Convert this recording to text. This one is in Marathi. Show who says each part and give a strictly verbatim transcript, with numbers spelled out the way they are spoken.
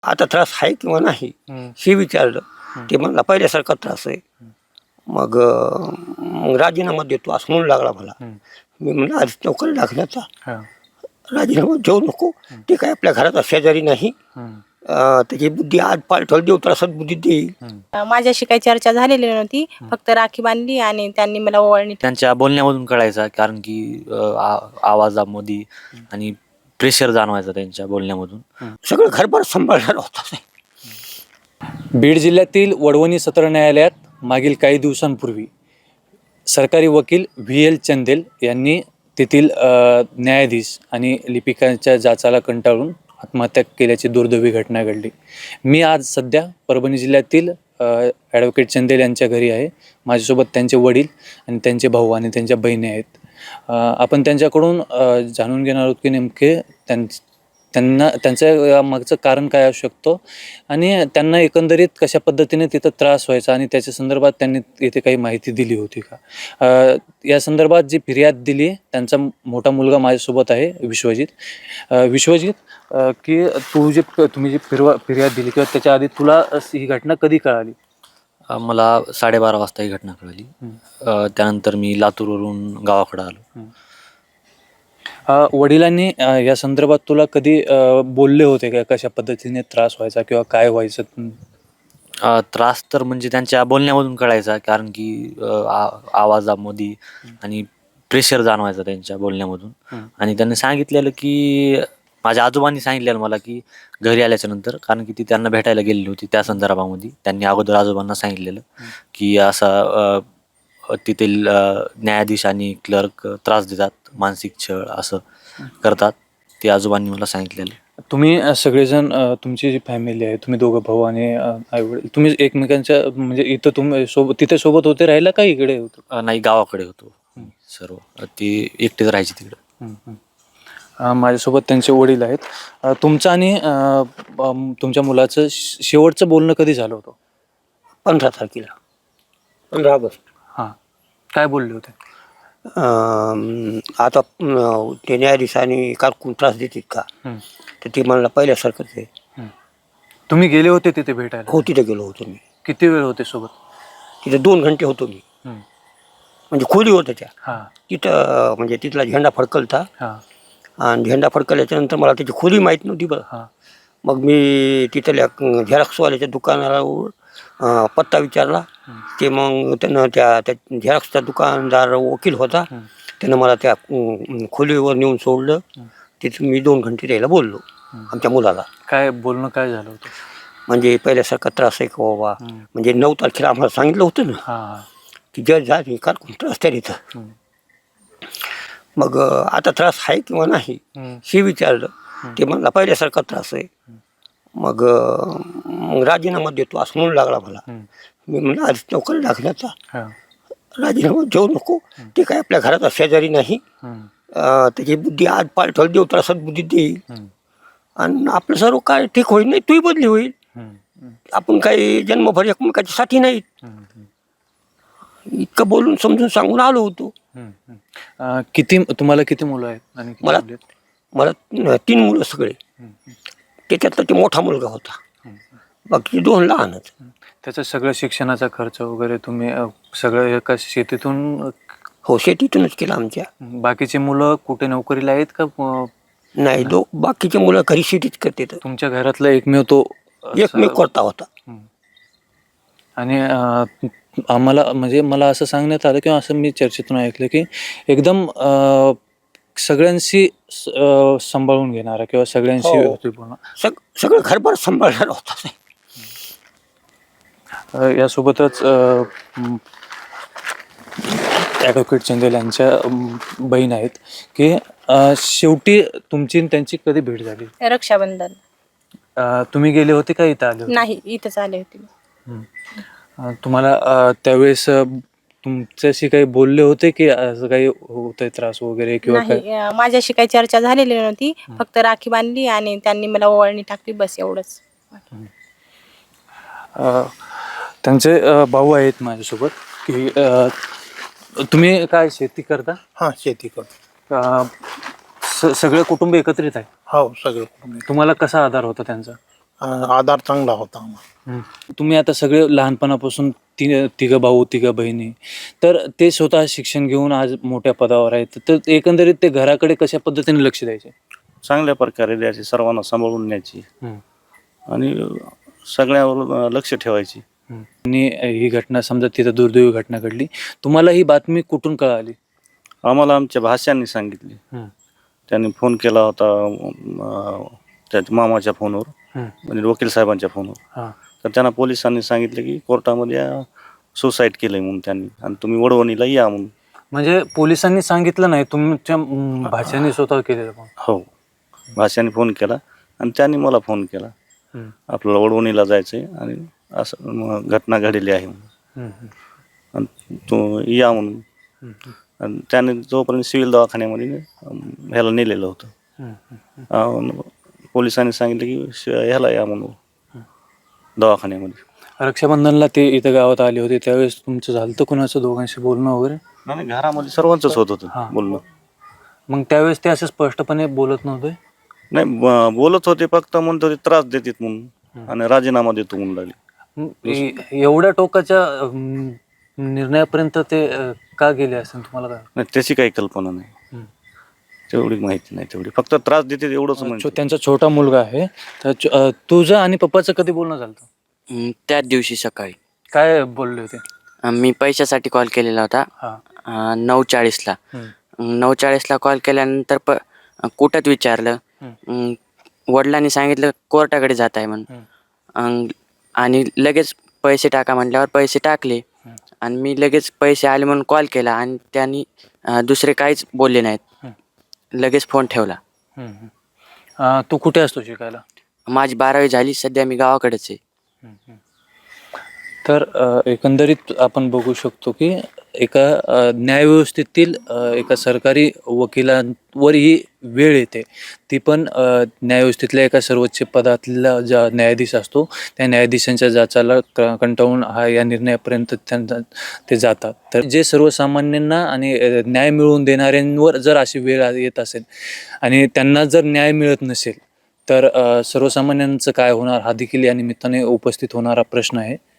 Speaker 1: आता त्रास आहे किंवा नाही हे विचारलं. ते म्हणला पहिल्यासारखा त्रास आहे. मग अं, मग राजीनामा देतो असं म्हणू लागला मला. मी म्हणलं आधी नोकरी लागण्याचा राजीनामा देऊ नको. ते काय आपल्या घराचा शेजारी नाही. अं, त्याची बुद्धी आज पालठवल देऊ तर सद्बुद्धी देईल.
Speaker 2: माझ्याशी काही चर्चा झालेली नव्हती. फक्त राखी बांधली आणि त्यांनी मला ओवाळणी.
Speaker 3: त्यांच्या बोलण्यामधून कळायचा, कारण की अ, आ- आवाजामध्ये आणि प्रेशर जाणवायचा त्यांच्या बोलण्यामधून.
Speaker 1: सगळं घरभर सांभाळणार होता.
Speaker 4: बीड जिल्ह्यातील वडवणी सत्र न्यायालयात मागील काही दिवसांपूर्वी सरकारी वकील व्ही एल चंदेल यांनी तेथील अ, न्यायाधीश आणि लिपिकांच्या जाचाला कंटाळून आत्महत्या केल्याची दुर्दैवी घटना घडली. मी आज सध्या परभणी जिल्ह्यातील ॲडव्होकेट चंदेल यांच्या घरी आहे. माझ्यासोबत त्यांचे वडील आणि त्यांचे भाऊ आणि त्यांच्या बहिणी आहेत. अ, आपण त्यांच्याकडून अ, जाणून घेणार आहोत की नेमके त्यां त्यांना त्यांच्या मागचं कारण काय असू शकतो आणि त्यांना एकंदरीत कशा पद्धतीने तिथं त्रास व्हायचा आणि त्याच्या संदर्भात त्यांनी येथे काही माहिती दिली होती का. अ, या संदर्भात जी फिर्याद दिली त्यांचा मोठा मुलगा माझ्यासोबत आहे, विश्वजित. अ, विश्वजित, अ, की तू जे तुम्ही जी फिरवा फिर्याद दिली किंवा त्याच्या आधी तुला ही घटना कधी कळाली?
Speaker 3: अ, मला साडेबारा वाजता ही घटना कळली. अ, त्यानंतर मी लातूरवरून गावाकडे आलो.
Speaker 4: अ, वडिलांनी अ, या संदर्भात तुला कधी अ, बोलले होते का, कशा पद्धतीने त्रास व्हायचा किंवा काय व्हायचं?
Speaker 3: अ, त्रास तर म्हणजे त्यांच्या बोलण्यामधून कळायचा, कारण की अ, आ- आवाजामध्ये आणि प्रेशर जाणवायचा त्यांच्या बोलण्यामधून. आणि त्यांनी सांगितलेलं की माझ्या आजोबांनी सांगितलेलं मला की घरी आल्याच्या नंतर, कारण की ती त्यांना भेटायला गेलेली होती त्या संदर्भामध्ये. त्यांनी अगोदर आजोबांना सांगितलेलं की असा अ, तेथील अ, न्यायाधीश आणि क्लर्क त्रास देतात, मानसिक छळ असं करतात. ते आजोबांनी मला सांगितलेलं.
Speaker 4: तुम्ही अ, सगळेजण, अ, तुमची जी फॅमिली आहे, तुम्ही दोघं भाऊ आणि आई वडील, तुम्ही एकमेकांच्या म्हणजे इथं तुम्ही सोबत तिथे सोबत होते राहायला का इकडे होतो?
Speaker 3: अ, नाही, गावाकडे होतो सर्व. ते एकटेच राहायचे तिकडे.
Speaker 4: हम्म, हम्म. अ, माझ्यासोबत त्यांचे वडील आहेत. अ, तुमचं आणि अ, अम, तुमच्या मुलाचं श- शेवटचं बोलणं कधी झालं होतं?
Speaker 1: पंधरा तारखेला पंधरा ऑगस्ट.
Speaker 4: हां, काय बोलले होते?
Speaker 1: अं, आता अं, ते न्यायाधीशांनी कारकून त्रास देतात का,
Speaker 4: हम्म.
Speaker 1: तर ते म्हणला पहिल्यासारखंच आहे.
Speaker 4: तुम्ही गेले होते तिथे भेटायला?
Speaker 1: हो, तिथे गेलो होतो मी.
Speaker 4: किती वेळ होते सोबत?
Speaker 1: तिथे दोन घंटे होतो मी.
Speaker 4: हम्म.
Speaker 1: म्हणजे खोली होत्या त्या
Speaker 4: हां
Speaker 1: तिथं. अं, म्हणजे तिथला झेंडा फडकलता
Speaker 4: हां
Speaker 1: आणि झेंडा फडकल्याच्या नंतर मला त्याची खोली माहीत नव्हती बरं.
Speaker 4: हां
Speaker 1: मग मी तिथल्या अं, झेरॉक्सवाल्याच्या दुकानावर अं, पत्ता विचारला. ते मग त्यानं त्या त्या झेरॉक्सचा दुकानदार वकील होता. त्यानं मला त्या अं, खोलीवर नेऊन सोडलं. तिथं मी दोन घंटे त्याला बोललो आमच्या मुलाला.
Speaker 4: काय बोलणं काय झालं होतं?
Speaker 1: म्हणजे पहिल्यासारखा त्रास आहे का बाबा. म्हणजे नऊ तारखेला आम्हाला सांगितलं होतं ना
Speaker 4: हां
Speaker 1: की जज झाली कार त्रास त्या इथं. मग अं, आता त्रास आहे किंवा नाही हे विचारलं. ते म्हणला पहिल्यासारखा त्रास आहे. मग अं, मग राजीनामा देतो असं म्हणू लागला मला. मी म्हणलं आधी नोकरी लागण्याचा
Speaker 4: हां
Speaker 1: राजीनामा देऊ नको. ते काय आपल्या घराचा शेजारी नाही. अं, त्याची बुद्धी आज पालठवल देऊ तर सद्बुद्धी देईल. आणि आपलं सर्व काय ठीक होईल, नाही तूही बदली होईल. आपण काही जन्मभर एकमेकाची साठी नाहीत. इतकं बोलून समजून सांगून आलो होतो.
Speaker 4: अ, किती तुम्हाला किती मुलं आहेत आणि किती
Speaker 1: मला
Speaker 4: मुली आहेत?
Speaker 1: मला न- तीन मुलं सगळे. त्याच्यातला ते मोठा मुलगा होता, बाकी दोन लहानच.
Speaker 4: त्याचं सगळं शिक्षणाचा खर्च वगैरे तुम्ही अ, सगळं एका शेतीतून?
Speaker 1: हो, शेतीतूनच केलं आमच्या.
Speaker 4: बाकीची मुलं कुठे नोकरीला आहेत का? अ,
Speaker 1: नाही, दो बाकीचे मुलं घरी शेतीच करते. तर
Speaker 4: तुमच्या घरातला एकमेव तो असं-
Speaker 1: एकमेव करता होता.
Speaker 4: आणि अ, आम्हाला म्हणजे मला असं सांगण्यात आलं किंवा असं मी चर्चेतून ऐकलं की एकदम अ, सगळ्यांशी स- अ, सांभाळून घेणारा किंवा सगळ्यांशी
Speaker 1: हो.
Speaker 4: व्यवस्थित बोलणार.
Speaker 1: सग सगळं घरभर सांभाळणार होता.
Speaker 4: अ, यासोबतच अ, म, ॲडव्होकेट चंदेल यांच्या अम, बहीण आहेत की अ, शेवटी तुमची आणि त्यांची कधी भेट झाली?
Speaker 2: रक्षाबंधन.
Speaker 4: अ, तुम्ही गेले होते का इथं आले होते?
Speaker 2: नाही, इथंच आले होते.
Speaker 4: अ, तुम्हाला अ, त्यावेळेस अ, तुमच्याशी काही बोलले होते की असं काही होतंय त्रास वगैरे किंवा काय?
Speaker 2: नाही, अं, माझ्याशी काही चर्चा झालेली नव्हती. फक्त राखी बांधली आणि त्यांनी मला ओवाळणी टाकली, बस एवढंच.
Speaker 4: अ, त्यांचे अ, भाऊ आहेत माझ्यासोबत की अ, तुम्ही काय शेती करता?
Speaker 5: हां, शेती करतो.
Speaker 4: अ, स- सगळे कुटुंब एकत्रित आहे?
Speaker 5: हो, सगळं कुटुंब.
Speaker 4: तुम्हाला कसा आधार होता त्यांचा?
Speaker 5: अं, आधार चांगला होता आम्हाला.
Speaker 4: तुम्ही आता सगळे लहानपणापासून ति तिघं भाऊ तिघं बहिणी, तर ते स्वतः शिक्षण घेऊन आज मोठ्या पदावर आहेत, तर एकंदरीत ते घराकडे कशा पद्धतीने लक्ष द्यायचे?
Speaker 6: चांगल्या प्रकारे द्यायची, सर्वांना सांभाळून न्यायची आणि सगळ्यावर लक्ष ठेवायची.
Speaker 4: आणि ही घटना समजा तिथं दुर्दैवी घटना घडली, तुम्हाला ही बातमी कुठून कळाली?
Speaker 6: आम्हाला आमच्या भाष्यांनी सांगितली. त्यांनी फोन केला होता अं, त्याच्या मामाच्या फोनवर, म्हणजे वकील साहेबांच्या फोनवर. तर त्यांना पोलिसांनी सांगितलं की कोर्टामध्ये सुसाईड केलंय म्हणून त्यांनी, आणि तुम्ही वडवणीला या म्हणून.
Speaker 4: म्हणजे पोलिसांनी सांगितलं नाही, तुमच्या म, भाच्याने स्वतः केलेलं पण?
Speaker 6: हो, भाष्याने फोन केला आणि त्यांनी मला फोन केला, आपल्याला वडवणीला जायचंय आणि असं मग घटना घडलेली आहे म्हणून, आणि तो या म्हणून. आणि त्याने जोपर्यंत सिव्हिल दवाखान्यामध्ये अं, ह्याला नेलेलं होतं. अं, पोलिसांनी सांगितलं की श- ह्याला या म्हणून दवाखान्यामध्ये.
Speaker 4: रक्षाबंधनला ते इथं गावात आले होते, त्यावेळेस तुमचं झालं तर कुणाचं दोघांशी बोलणं वगैरे?
Speaker 6: नाही, घरामध्ये सर्वांचंच होत होतं
Speaker 4: हां.
Speaker 6: बोलणं.
Speaker 4: मग त्यावेळेस ते असं स्पष्टपणे बोलत नव्हते?
Speaker 6: नाही, ब- बोलत होते, फक्त म्हणत होते त्रास देतात म्हणून आणि राजीनामा देतो म्हणून लागले.
Speaker 4: मग ए- एवढ्या टोकाच्या अं, निर्णयापर्यंत ते अं, का गेले असेल तुम्हाला काय?
Speaker 6: नाही, त्याची काही कल्पना नाही, तेवढी माहिती नाही. तेवढी फक्त त्रास देते एवढंच
Speaker 4: छो-
Speaker 6: म्हणजे.
Speaker 4: त्यांचा छोटा मुलगा आहे, तर छ- अं, तुझं आणि पप्पाचं कधी बोलणं झालं होतं?
Speaker 7: अं, त्याच दिवशी सकाळी
Speaker 4: काय बोलले होते?
Speaker 7: अं, मी पैशासाठी कॉल केलेला होता.
Speaker 4: हा.
Speaker 7: अं, नऊ चाळीसला
Speaker 4: हम्म.
Speaker 7: अं, नऊ चाळीसला कॉल केल्यानंतर प अं, कुठं विचारलं. अं, वडिलांनी सांगितलं कोर्टाकडे जात आहे म्हणून. अं, आणि लगेच पैसे टाका म्हटल्यावर पैसे टाकले, आणि मी लगेच पैसे आले म्हणून कॉल केला, आणि त्यांनी अं, दुसरे काहीच बोलले नाहीत. लगेच फोन ठेवला.
Speaker 4: हम्म. अं, तू कुठे असतो शिकायला?
Speaker 7: माझी बारावी झाली, सध्या मी गावाकडेच आहे.
Speaker 4: तर अ, एकंदरीत आपण बघू शकतो की एका अ, न्यायव्यवस्थेतील अ, एका सरकारी वकिलांवर ही वेळ येते, ती पण अ, न्यायव्यवस्थेतल्या एका सर्वोच्च पदातला ज्या न्यायाधीश असतो त्या न्यायाधीशांच्या जाचाला क कंटाळून हा या निर्णयापर्यंत त्यांना ते जातात. तर जे सर्वसामान्यांना आणि अ, न्याय मिळवून देणाऱ्यांवर जर अशी वेळ आ- येत असेल आणि त्यांना जर न्याय मिळत नसेल, तर अ, सर्वसामान्यांचं काय होणार, हा देखील या निमित्ताने उपस्थित होणारा प्रश्न आहे.